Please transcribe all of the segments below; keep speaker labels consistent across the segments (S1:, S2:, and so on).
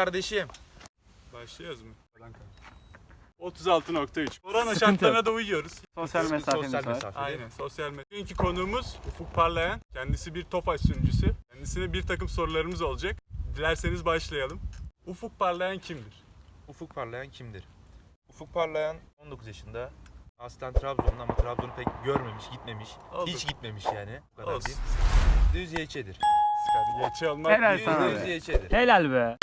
S1: kardeşim.
S2: Başlıyoruz mu? 36.3. Korona şartlarına da uyuyoruz.
S3: Sosyal mesafemiz
S1: Sosyal
S3: var.
S1: mesafe.
S2: Aynen, sosyal medya. Bugünkü konuğumuz Ufuk Parlayan. Kendisi bir Tofaş sunucusu. Kendisine bir takım sorularımız olacak. Dilerseniz başlayalım. Ufuk Parlayan kimdir?
S1: Ufuk Parlayan kimdir? Ufuk Parlayan 19 yaşında. Aslen Trabzon'da ama Trabzon'u pek görmemiş, gitmemiş.
S2: Oldu.
S1: Hiç gitmemiş yani. Bu kadar
S2: Olsun.
S1: değil. Düz YÇ'dir.
S2: Skadi geçi olmak
S3: Helal
S2: değil.
S3: sana
S1: Düz
S3: be.
S1: YÇ'dir.
S3: Helal be.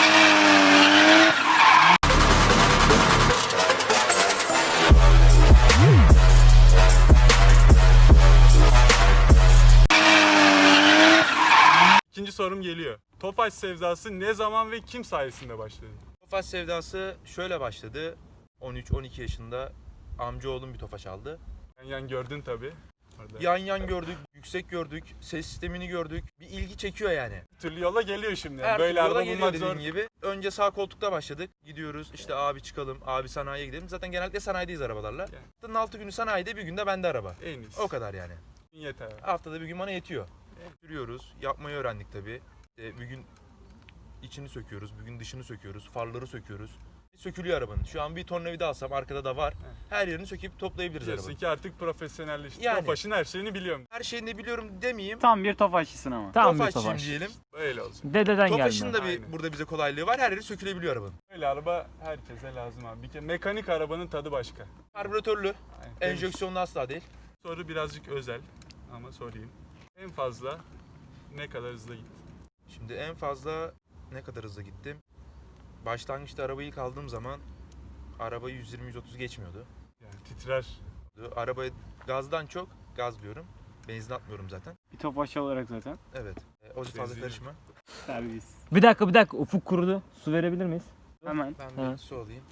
S2: İkinci sorum geliyor. Tofaş sevdası ne zaman ve kim sayesinde başladı?
S1: Tofaş sevdası şöyle başladı. 13-12 yaşında amcaoğlum bir Tofaş aldı.
S2: Yan gördün tabii. Orada.
S1: Yan yan gördük, yüksek gördük, ses sistemini gördük. Bir ilgi çekiyor yani.
S2: Bir türlü yola geliyor şimdi.
S1: Her
S2: Böyle
S1: türlü yola
S2: araba
S1: geliyor
S2: bulmak
S1: dediğim
S2: zor.
S1: gibi. Önce sağ koltukta başladık. Gidiyoruz işte abi çıkalım, abi sanayiye gidelim. Zaten genellikle sanayideyiz arabalarla.
S2: Yani.
S1: Haftanın 6 günü sanayide, bir günde bende araba.
S2: En iyisi.
S1: O kadar yani.
S2: Yeter.
S1: Haftada bir gün bana yetiyor.
S2: Evet.
S1: Sürüyoruz, yapmayı öğrendik tabii. Bir gün içini söküyoruz, bir gün dışını söküyoruz, farları söküyoruz. Sökülüyor arabanın. Şu an bir tornavida alsam arkada da var.
S2: Evet.
S1: Her yerini söküp toplayabiliriz
S2: Diyorsun
S1: arabanın.
S2: ki artık profesyonelleşti.
S1: Yani.
S2: Tofaş'ın her şeyini biliyorum.
S1: Her şeyini de biliyorum demeyeyim.
S3: Tam bir tofaşçısın ama. Tam bir
S1: Tofaşçıyım
S3: tofaş.
S1: diyelim.
S2: Böyle olacak.
S3: Dededen
S1: Tofaş'ın
S3: gelme.
S1: da bir
S2: Aynen.
S1: burada bize kolaylığı var. Her yeri sökülebiliyor arabanın.
S2: Böyle araba herkese lazım abi. Bir kere mekanik arabanın tadı başka.
S1: Karbüratörlü,
S2: Aynen.
S1: enjeksiyonlu asla değil.
S2: Soru birazcık özel ama sorayım. En fazla ne kadar hızlı gitti?
S1: Şimdi en fazla ne kadar hızlı gittim? Başlangıçta arabayı ilk aldığım zaman araba 120-130 geçmiyordu.
S2: Yani titrer.
S1: Arabaya gazdan çok, gaz diyorum. Benzin atmıyorum zaten.
S3: Bir tofaş olarak zaten.
S1: Evet. O fazla
S2: Benzin.
S1: karışma.
S3: Servis.
S4: Bir dakika ufuk kurudu. Su verebilir miyiz?
S3: Hemen.
S1: Ben
S4: Ha.
S1: bir su alayım.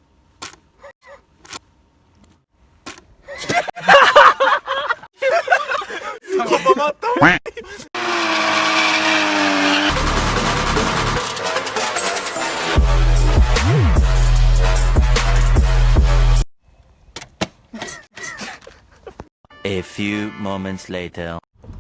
S2: Kafama attı.
S5: A few moments later.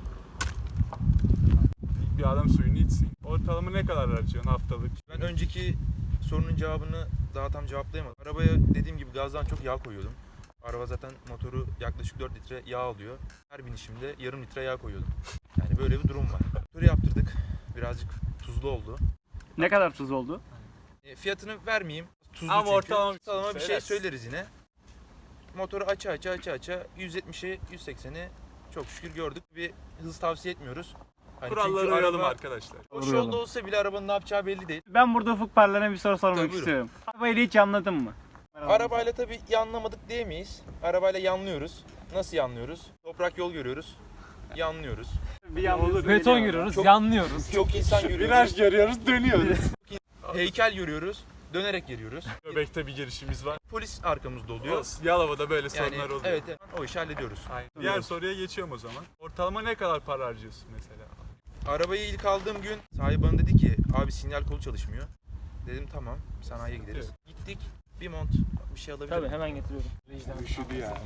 S2: Bir adam suyunu içsin. Ortalama ne kadar harcıyorsun haftalık?
S1: Ben önceki sorunun cevabını daha tam cevaplayamadım. Arabaya dediğim gibi gazdan çok yağ koyuyordum. Araba zaten motoru yaklaşık 4 litre yağ alıyor. Her binişimde yarım litre yağ koyuyordum. Yani böyle bir durum var. Motoru yaptırdık. Birazcık tuzlu oldu.
S3: Ne kadar tuz oldu?
S1: Fiyatını vermeyeyim. Tuzlu
S2: Ama
S1: çünkü.
S2: ortalama
S1: Bir şey
S2: söylersin.
S1: söyleriz yine. Motoru aça 170'i 180'i çok şükür gördük. Bir hız tavsiye etmiyoruz. Hani
S2: Kurallara
S1: çünkü
S2: uyalım
S1: araba
S2: arkadaşlar.
S1: o yolda olsa bile arabanın ne yapacağı belli değil.
S3: Ben burada Ufuk Parlayan'a bir soru sormak
S1: Tabii, buyurun.
S3: istiyorum. Arabayı hiç anladın mı?
S1: Arabayla tabii yanlamadık diyemeyiz. Arabayla yanlıyoruz. Nasıl yanlıyoruz? Toprak yol görüyoruz. Yanlıyoruz.
S3: Bir yalnız
S4: Beton görüyoruz,
S1: Çok-
S4: yanlıyoruz.
S1: Çok insan görüyoruz.
S2: Viraj görüyoruz, dönüyoruz.
S1: Heykel görüyoruz. Dönerek geliyoruz.
S2: Göbekte bir girişimiz var.
S1: Polis arkamızda oluyor.
S2: Olsun. Yalova'da böyle
S1: Yani
S2: sorunlar oluyor.
S1: evet o işi hallediyoruz.
S2: Aynen. Diğer soruya geçiyorum o zaman. Ortalama ne kadar para harcıyorsun mesela?
S1: Arabayı ilk aldığım gün sahibi bana dedi ki abi sinyal kolu çalışmıyor. Dedim tamam sanayiye gideriz. Gittik bir mont bir şey alabilir
S4: Tabii
S1: miyim?
S4: hemen getiriyorum.
S2: Üşüdü yani.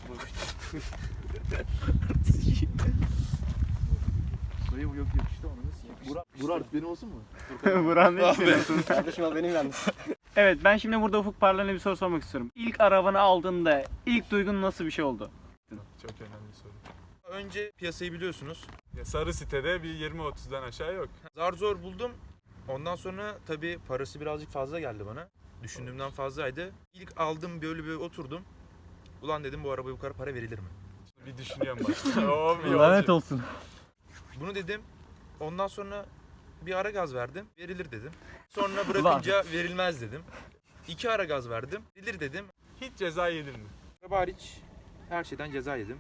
S6: Burak benim olsun mu?
S3: Buran ne düşünüyorsun?
S6: Kardeşim al benim yalnız.
S3: Evet, ben şimdi burada Ufuk Parlayan'a bir soru sormak istiyorum. İlk arabanı aldığında ilk duygun nasıl bir şey oldu?
S2: Çok önemli soru.
S1: Önce piyasayı biliyorsunuz.
S2: Ya sarı sitede bir 20-30'dan aşağı yok.
S1: Zar zor buldum. Ondan sonra tabii parası birazcık fazla geldi bana. Düşündüğümden fazlaydı. İlk aldım böyle bir oturdum. Ulan dedim bu arabaya bu kadar para verilir mi?
S2: Bir düşünüyorum bak. Oo, bir
S4: Lanet
S2: olacak.
S4: olsun.
S1: Bunu dedim. Ondan sonra bir ara gaz verdim. Verilir dedim. Sonra bırakınca verilmez dedim. 2 ara gaz verdim. Verilir dedim.
S2: Hiç ceza yedin mi?
S1: Araba hariç her şeyden ceza yedim.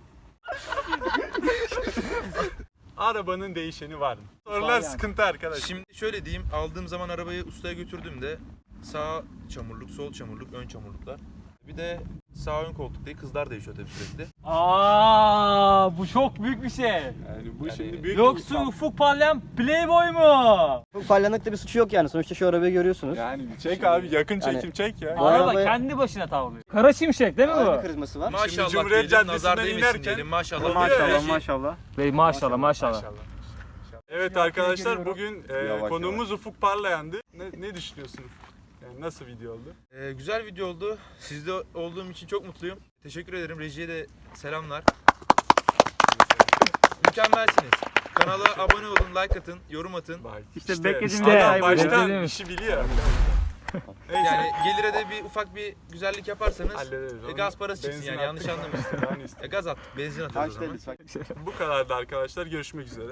S2: Arabanın değişeni var mı? Sorular
S4: yani.
S2: sıkıntı arkadaş.
S1: Şimdi şöyle diyeyim. Aldığım zaman arabayı ustaya götürdüğümde sağ çamurluk, sol çamurluk, ön çamurluklar. Bir de sağ ön koltukta kızlar değişiyor tabii sürekli.
S4: Aa, bu çok büyük bir şey.
S2: Yani bu şimdi büyük
S4: Yoksa Ufuk Parlayan Playboy mu?
S6: Çok parlaklıkta bir suçu yok yani. Sonuçta şu arabayı görüyorsunuz.
S2: Yani çek abi yakın
S6: Yani-
S2: çekim çek ya.
S6: Bu
S4: Araba
S6: arabaya-
S4: kendi başına tavlıyor. Kara şimşek değil mi
S6: Ağır bir
S4: bu?
S6: karizması var.
S1: Maşallah
S2: Cumhuriyet
S1: diyelim, nazar
S2: Caddesi'nden
S1: değmesin
S2: inerken-
S1: diyelim. Maşallah.
S2: Oluyor
S3: Maşallah
S2: ya.
S3: maşallah.
S4: Bey maşallah maşallah.
S2: Maşallah. Evet arkadaşlar bugün
S6: Yavaş,
S2: konuğumuz Ufuk Parlayan'dı. Ne düşünüyorsun Ufuk? Yani nasıl video oldu?
S1: Güzel video oldu. Sizde olduğum için çok mutluyum. Teşekkür ederim. Rejiye de selamlar. Mükemmelsiniz. Kanala abone olun, like atın, yorum atın.
S2: Bak,
S3: İşte beklediğimiz
S2: adam
S3: detay buydu.
S2: baştan
S4: Beklediğimiz.
S2: işi biliyor. Neyse.
S1: Yani gelire de bir ufak bir güzellik yaparsanız
S2: Hallederiz.
S1: gaz parası çıksın
S2: Benzin
S1: yani yanlış
S2: attık.
S1: anlamayın.
S2: Yani işte.
S1: Gaz attık, benzin atıyoruz o
S6: Kaç
S1: zaman.
S6: lütfen.
S2: Bu kadardı arkadaşlar. Görüşmek üzere.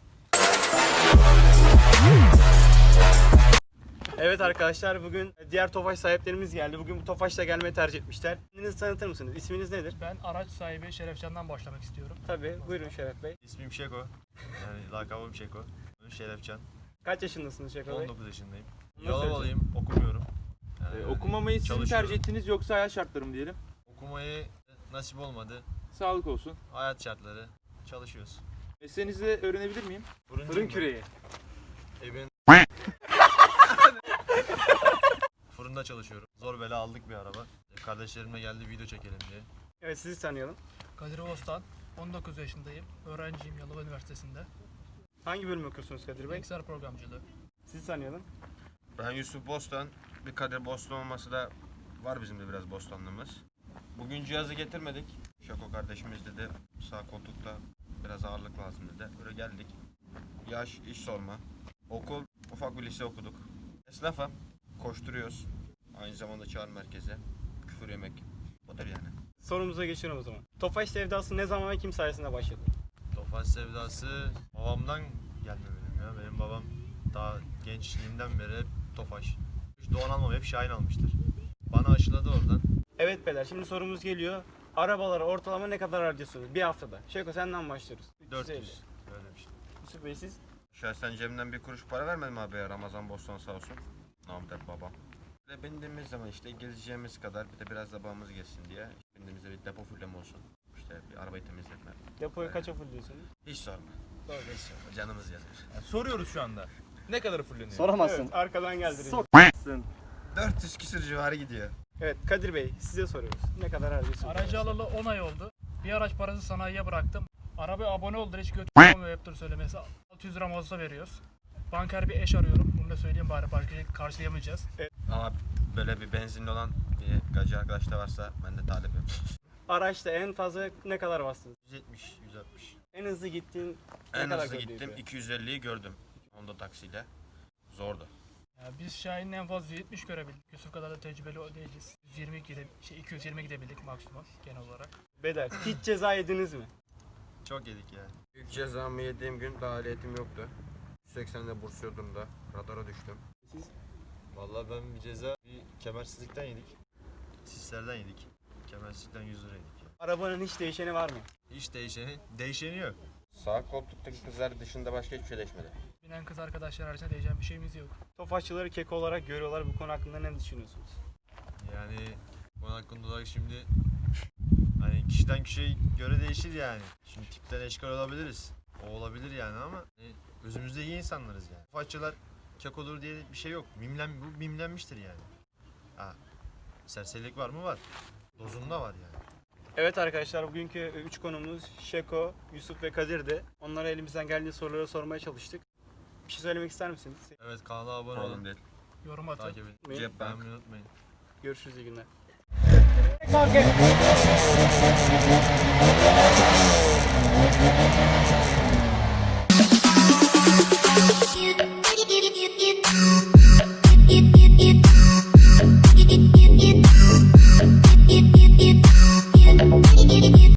S7: Evet arkadaşlar bugün diğer Tofaş sahiplerimiz geldi. Bugün bu Tofaş'la gelmeyi tercih etmişler. Kendinizi tanıtır mısınız? İsminiz nedir?
S8: Ben araç sahibi Şerefcan'dan başlamak istiyorum.
S7: Tabii buyurun Şeref Bey.
S9: İsmim Şeko. Yani lakabım Şeko. Adım Şerefcan.
S7: Kaç yaşındasınız Şeref Bey?
S9: 19 yaşındayım.
S7: Nasıl
S9: Yalovalıyım, okumuyorum. Yani
S1: Okumamayı siz mi
S9: çalışıyorum.
S1: tercih ettiniz yoksa hayat şartları mı diyelim?
S9: Okumayı nasip olmadı.
S1: Sağlık olsun.
S9: Hayat şartları. Çalışıyoruz.
S1: Mesleğinizi de öğrenebilir miyim?
S7: Fırın küreği.
S9: Evin... Fırında çalışıyorum. Zor bela aldık bir araba. Kardeşlerimle geldi video çekelim diye.
S7: Evet sizi tanıyalım.
S8: Kadir Oğuz'dan 19 yaşındayım. Öğrenciyim Yalova Üniversitesi'nde.
S7: Hangi bölüm okuyorsunuz Kadir Bey?
S8: Bilgisayar programcılığı.
S7: Sizi tanıyalım.
S9: Ben Yusuf Bostan. Bir Kadir Bostan olması da var bizim de biraz Bostanlığımız. Bugün cihazı getirmedik. Şako kardeşimiz dedi sağ koltukta biraz ağırlık lazım dedi. Böyle geldik. Yaş, iş sorma. Okul, ufak bir lise okuduk. Esnafım. Koşturuyoruz. Aynı zamanda çağrı merkezi. Küfür yemek. Budur yani.
S7: Sorumuza geçiyorum o zaman. Tofaş sevdası ne zaman ve kim sayesinde başladı?
S9: Tofaş sevdası babamdan gelme benim ya. Benim babam daha gençliğimden beri hep Tofaş. Hiç Doğan almam, hep Şahin almıştır. Bana aşıladı oradan.
S7: Evet beyler şimdi sorumuz geliyor. Arabalara ortalama ne kadar harcıyorsunuz bir haftada? Şeko senden başlıyoruz.
S9: 400. Öyle bir şey.
S7: Yusuf Bey siz?
S9: Şahsen cebimden bir kuruş para vermedim abi ya, Ramazan Bostan sağ olsun. Namdet babam. Ve bindiğimiz zaman işte gezeceğimiz kadar bir de biraz da babamız gezsin diye bindiğimizde bir depo fulleme olsun. İşte bir arabayı temizletme.
S7: Depoyu kaça fullüyorsunuz?
S9: Hiç sorma. Hiç sorma. Canımız yanır.
S1: Soruyoruz şu anda. Ne kadar fulleniyor?
S6: Soramazsın.
S7: Evet arkadan geldi.
S6: Sok.
S9: 400 küsür civarı gidiyor.
S7: Evet Kadir Bey size soruyoruz. Ne kadar harcıyorsunuz?
S8: Aracı alalı 10 ay oldu. Bir araç parası sanayiye bıraktım. Arabaya abone oldular hiç götürmüyor hep dur söylemesi. 600 lira mazota veriyoruz. Banker bir eş arıyorum. Bunu da söyleyeyim bari başka karşılayamayacağız.
S9: Ama böyle bir benzinli olan bir gacı arkadaş da varsa ben de talibim.
S7: Araçta en fazla ne kadar bastınız?
S9: 170, 160.
S7: En hızlı gittiğin ne
S9: En
S7: kadar
S9: hızlı
S7: gördüydü?
S9: gittim 250'yi gördüm. Honda taksiyle. Zordu.
S8: Ya biz Şahin'le en fazla 170 görebildik. Yusuf kadar da tecrübeli değiliz. 220 gidebildik maksimum genel olarak.
S7: Bedel. Hiç ceza yediniz mi?
S9: Çok yedik ya. İlk cezamı yediğim gün daha ehliyetim yoktu. 180'de burs yurdumda radara düştüm.
S7: Siz?
S9: Vallahi ben bir ceza bir kemersizlikten yedik. Sislerden yedik. Kemersizlikten 100 lira yedik ya.
S7: Arabanın hiç değişeni var mı?
S9: Hiç değişeni yok. Sağ koltuktaki kızlar dışında başka hiçbir şey değişmedi.
S8: Binen kız arkadaşlar haricinde diyeceğim bir şeyimiz yok.
S7: Tofaşçıları keko olarak görüyorlar. Bu konu hakkında ne düşünüyorsunuz?
S9: Yani bunun hakkında olarak şimdi hani kişiden kişiye göre değişir yani. Şimdi tipten eşkal olabiliriz. O olabilir yani ama özümüzde iyi insanlarız yani. Faççılar kekodur diye bir şey yok. Bu mimlenmiştir yani. Ha, serserilik var mı? Var. Dozunda var yani.
S7: Evet arkadaşlar bugünkü 3 konumuz Şeko, Yusuf ve Kadir'di. Onlara elimizden geldiği soruları sormaya çalıştık. Bir şey söylemek ister misiniz?
S9: Evet, kanala abone olun. Değil.
S8: Yorum atın.
S9: Takip edin.
S7: Benim-
S9: Cep beğenmeyi unutmayın.
S7: Görüşürüz iyi günler.